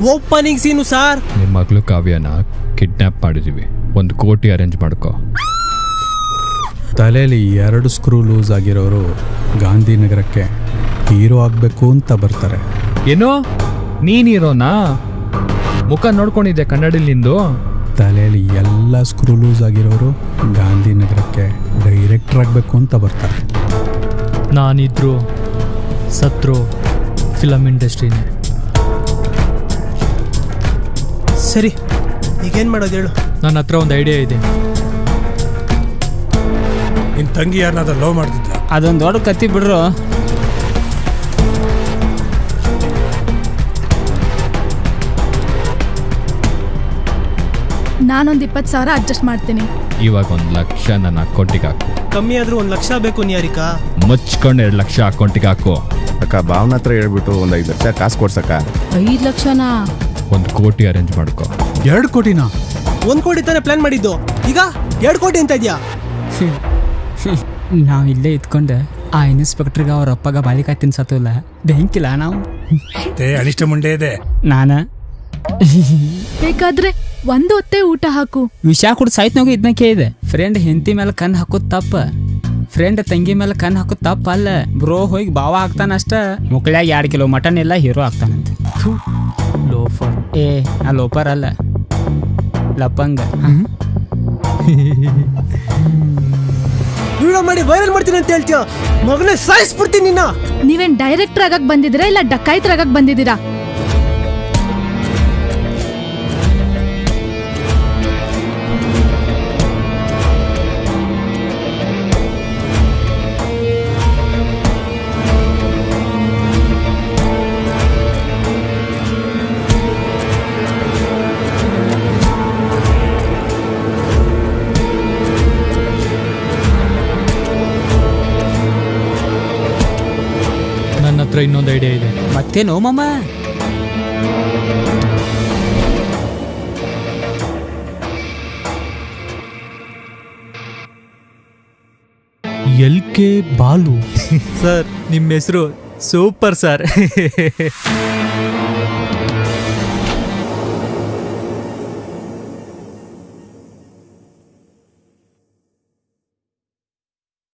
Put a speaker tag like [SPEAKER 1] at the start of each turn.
[SPEAKER 1] Opening ಸೀನು sir.
[SPEAKER 2] ನಿಮ್ಮ ಮಗಳು ಕಾವ್ಯನ kidnap ಮಾಡಿದೀವಿ, 1 ಕೋಟಿ ಅರೇಂಜ್ ಮಾಡ್ಕೋ.
[SPEAKER 3] ತಲೆಯಲ್ಲಿ 2 ಸ್ಕ್ರೂ ಲೂಸ್ ಆಗಿರೋರು ಗಾಂಧಿನಗರಕ್ಕೆ ಹೀರೋ ಆಗಬೇಕು ಅಂತ ಬರ್ತಾರೆ.
[SPEAKER 2] ಏನೋ ನೀನ್ ಹೀರೋನಾ? ಮುಖ ನೋಡ್ಕೊಂಡಿದ್ದೆ ಕನ್ನಡಲ್ಲಿ ನಿಂದು.
[SPEAKER 3] ತಲೆಯಲ್ಲಿ ಎಲ್ಲ ಸ್ಕ್ರೂ ಲೂಸ್ ಆಗಿರೋರು ಗಾಂಧಿನಗರಕ್ಕೆ ಡೈರೆಕ್ಟರ್ ಆಗಬೇಕು ಅಂತ ಬರ್ತಾರೆ.
[SPEAKER 4] ನಾನಿದ್ರು ಸತ್ರು ಫಿಲಮ್ ಇಂಡಸ್ಟ್ರಿನೇ.
[SPEAKER 1] ಸರಿ, ಈಗೇನು ಮಾಡೋದು ಹೇಳು.
[SPEAKER 4] ನನ್ನ ಹತ್ರ ಒಂದು ಐಡಿಯಾ ಇದೆ.
[SPEAKER 5] ನಿನ್ನ ತಂಗಿ ಯಾರನ್ನಾದ್ರೂ ಲವ್ ಮಾಡ್ತಿದ್ಲ?
[SPEAKER 6] ಅದೊಂದು ದೊಡ್ಡ ಕತ್ತಿ ಬಿಡ್ರು.
[SPEAKER 7] ನಾನೊಂದು 20,000 ಅಡ್ಜಸ್ಟ್ ಮಾಡ್ತೀನಿ.
[SPEAKER 2] ಇವಾಗ 1 ಲಕ್ಷ ನನ್ನ ಅಕೌಂಟಿಗೆ ಹಾಕು.
[SPEAKER 1] ಕಮ್ಮಿ ಆದ್ರೂ 1 ಲಕ್ಷ ಬೇಕು ನಿಯಾರಿಕಾ.
[SPEAKER 2] ಮುಚ್ಕೊಂಡು 2 ಲಕ್ಷ ಅಕೌಂಟಿಗೆ ಹಾಕು.
[SPEAKER 8] ಅಕ್ಕ ಭಾವನ ಹತ್ರ ಹೇಳ್ಬಿಟ್ಟು ಒಂದು 5 ಲಕ್ಷ ಕಾಸು ಕೊಡ್ಸಕ್ಕ.
[SPEAKER 6] 5 ಲಕ್ಷನಾ?
[SPEAKER 2] 1 ಕೋಟಿ ಅರೇಂಜ್ ಮಾಡ್ಕೋ.
[SPEAKER 3] 2 ಕೋಟಿನಾ?
[SPEAKER 1] 1 ಕೋಟಿ ತಾನೇ ಪ್ಲಾನ್ ಮಾಡಿದ್ದು, ಈಗ 2 ಕೋಟಿ ಅಂತ ಇದೆಯಾ?
[SPEAKER 6] ನಾವು ಇಲ್ಲೇ ಇದ್ಕೊಂಡು ಆ ಇನ್ಸ್ಪೆಕ್ಟರ್ಗೆ ಅವ್ರ ಅಪ್ಪಗ ಬಾಳಿಕಾಯಿ ತಿನ್ಸತ್ತಲ್ಲ, ಬೆಂಕಿಲ್ಲ ನಾವು.
[SPEAKER 5] ಅನಿಷ್ಟ ಮುಂಡೆ ಇದೆ.
[SPEAKER 6] ನಾನ
[SPEAKER 7] ಬೇಕಾದ್ರೆ 1 ಹೊತ್ತೇ ಊಟ ಹಾಕು.
[SPEAKER 6] ವಿಷ ಕುಡ್ ಸಾಯ್ತನಾಗ ಇದನ್ನ ಕೇಳಿದೆ. ಫ್ರೆಂಡ್ ಹೆಂಡತಿ ಮೇಲೆ ಕಣ್ಣು ಹಾಕೋದು ತಪ್ಪ, ಫ್ರೆಂಡ್ ತಂಗಿ ಮೇಲೆ ಕಣ್ಣು ಹಾಕೋದು ತಪ್ಪ ಅಲ್ಲ. ಬ್ರೋ ಹೋಗಿ ಬಾವ ಹಾಕ್ತಾನ ಅಷ್ಟ, ಮುಕ್ಳ್ಯಾಗ 2 ಕಿಲೋ ಮಟನ್ ಎಲ್ಲ ಹೀರೋ ಆಗ್ತಾನಂತ. ಲೋಫರ್. ನಾ ಲೋಫರ್ ಅಲ್ಲ, ಲಪಂಗ.
[SPEAKER 1] ವಿಡಿಯೋ ಮಾಡಿ ವೈರಲ್ ಮಾಡ್ತೀನಿ ಅಂತ ಹೇಳ್ತೀಯ, ಮಗನೇ ಸಾಯಿಸ್ಬಿಡ್ತೀನಿ ನಿನ್ನ.
[SPEAKER 7] ನೀವೇನ್ ಡೈರೆಕ್ಟರ್ ಆಗಕ್ ಬಂದಿದ್ದೀರಾ ಇಲ್ಲ ಡಕಾಯಿತರ ಆಗಕ್ ಬಂದಿದ್ದೀರಾ?
[SPEAKER 4] ನನ್ನ ಹತ್ರ ಇನ್ನೊಂದು ಐಡಿಯಾ ಇದೆ.
[SPEAKER 6] ಮತ್ತೇನೋ ಮಾಮ?
[SPEAKER 4] LK ಬಾಲು. ಸರ್ ನಿಮ್ಮ ಹೆಸರು ಸೂಪರ್ ಸರ್.